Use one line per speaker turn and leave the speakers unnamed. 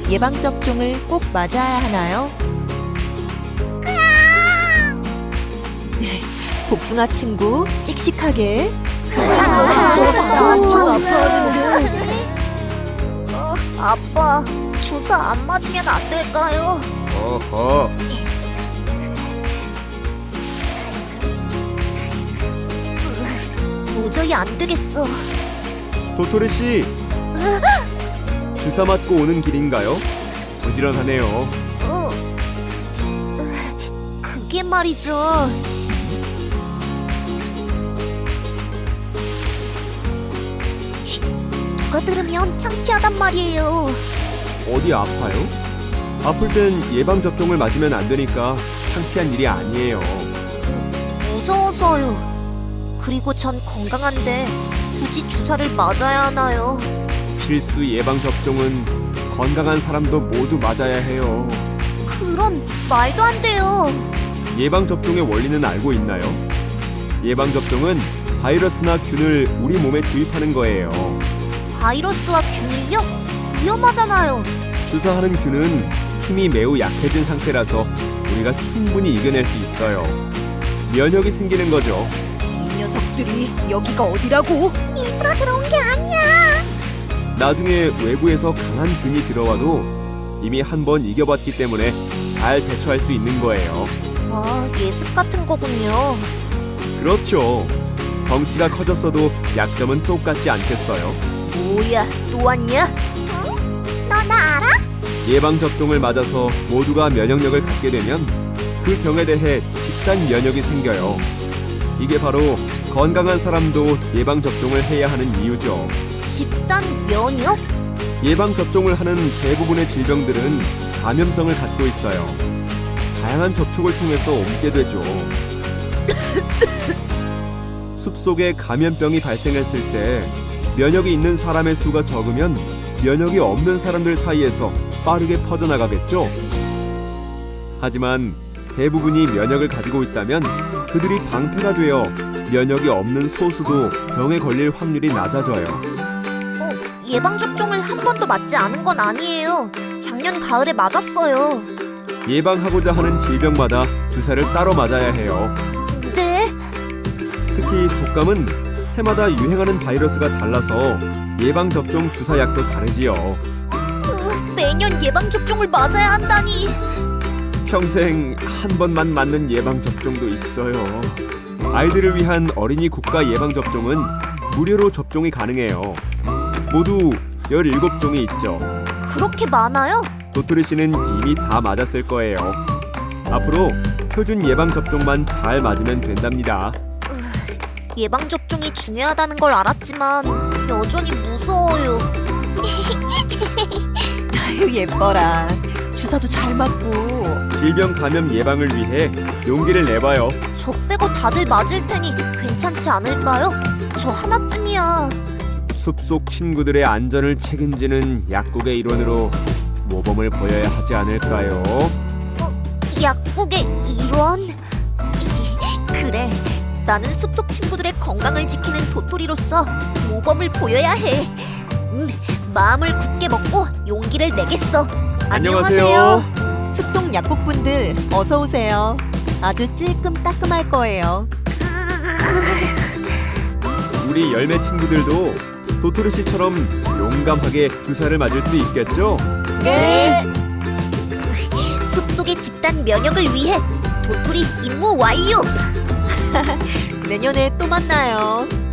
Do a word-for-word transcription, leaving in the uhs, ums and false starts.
예방접종을 꼭 맞아야 하나요? 복숭아 친구, 씩씩하게.
나좀 아파하는데. 어, 아빠, 주사 안 맞으면 안 될까요?
어허.
도저히 안 되겠어.
도토리 씨. 주사 맞고 오는 길인가요? 부지런하네요.
어, 그게 말이죠. 쉿, 누가 들으면 창피하단 말이에요.
어디 아파요? 아플 땐 예방 접종을 맞으면 안 되니까 창피한 일이 아니에요.
무서워서요. 그리고 전 건강한데 굳이 주사를 맞아야 하나요?
필수 예방 접종은 건강한 사람도 모두 맞아야 해요.
그런 말도 안 돼요.
예방 접종의 원리는 알고 있나요? 예방 접종은 바이러스나 균을 우리 몸에 주입하는 거예요.
바이러스와 균일요? 위험하잖아요.
주사하는 균은 힘이 매우 약해진 상태라서 우리가 충분히 이겨낼 수 있어요. 면역이 생기는 거죠.
이 녀석들이 여기가 어디라고?
일부러 들어온 게 아니야.
나중에 외부에서 강한 균이 들어와도 이미 한 번 이겨봤기 때문에 잘 대처할 수 있는 거예요.
아, 예습 같은 거군요.
그렇죠. 덩치가 커졌어도 약점은 똑같지 않겠어요.
뭐야, 또 왔냐? 응? 너 나 알아?
예방접종을 맞아서 모두가 면역력을 갖게 되면 그 병에 대해 집단 면역이 생겨요. 이게 바로 건강한 사람도 예방접종을 해야 하는 이유죠.
집단 면역?
예방접종을 하는 대부분의 질병들은 감염성을 갖고 있어요. 다양한 접촉을 통해서 옮게 되죠. 숲속에 감염병이 발생했을 때 면역이 있는 사람의 수가 적으면 면역이 없는 사람들 사이에서 빠르게 퍼져나가겠죠. 하지만 대부분이 면역을 가지고 있다면 그들이 방패가 되어 면역이 없는 소수도 병에 걸릴 확률이 낮아져요.
어, 예방접종을 한 번도 맞지 않은 건 아니에요. 작년 가을에 맞았어요.
예방하고자 하는 질병마다 주사를 따로 맞아야 해요.
네?
특히 독감은 해마다 유행하는 바이러스가 달라서 예방접종 주사약도 다르지요.
으, 매년 예방접종을 맞아야 한다니.
평생 한 번만 맞는 예방접종도 있어요. 아이들을 위한 어린이 국가 예방접종은 무료로 접종이 가능해요. 모두 열일곱 종이 있죠.
그렇게 많아요?
도토리 씨는 이미 다 맞았을 거예요. 앞으로 표준 예방접종만 잘 맞으면 된답니다.
예방접종이 중요하다는 걸 알았지만 여전히 무서워요.
아유, 예뻐라. 주사도 잘 맞고.
질병 감염 예방을 위해 용기를 내봐요.
저 빼고 다들 맞을 테니 괜찮지 않을까요? 저 하나쯤이야.
숲속 친구들의 안전을 책임지는 약국의 일원으로 모범을 보여야 하지 않을까요?
약국의 일원? 그래, 나는 숲속 친구들의 건강을 지키는 도토리로서 모범을 보여야 해. 음, 마음을 굳게 먹고 용기를 내겠어.
안녕하세요.
숲속 약국분들 어서 오세요. 아주 찔끔따끔할 거예요.
우리 열매 친구들도 도토리 씨처럼 용감하게 주사를 맞을 수 있겠죠?
네. 숲속의 집단 면역을 위해 도토리 임무 완료.
내년에 또 만나요.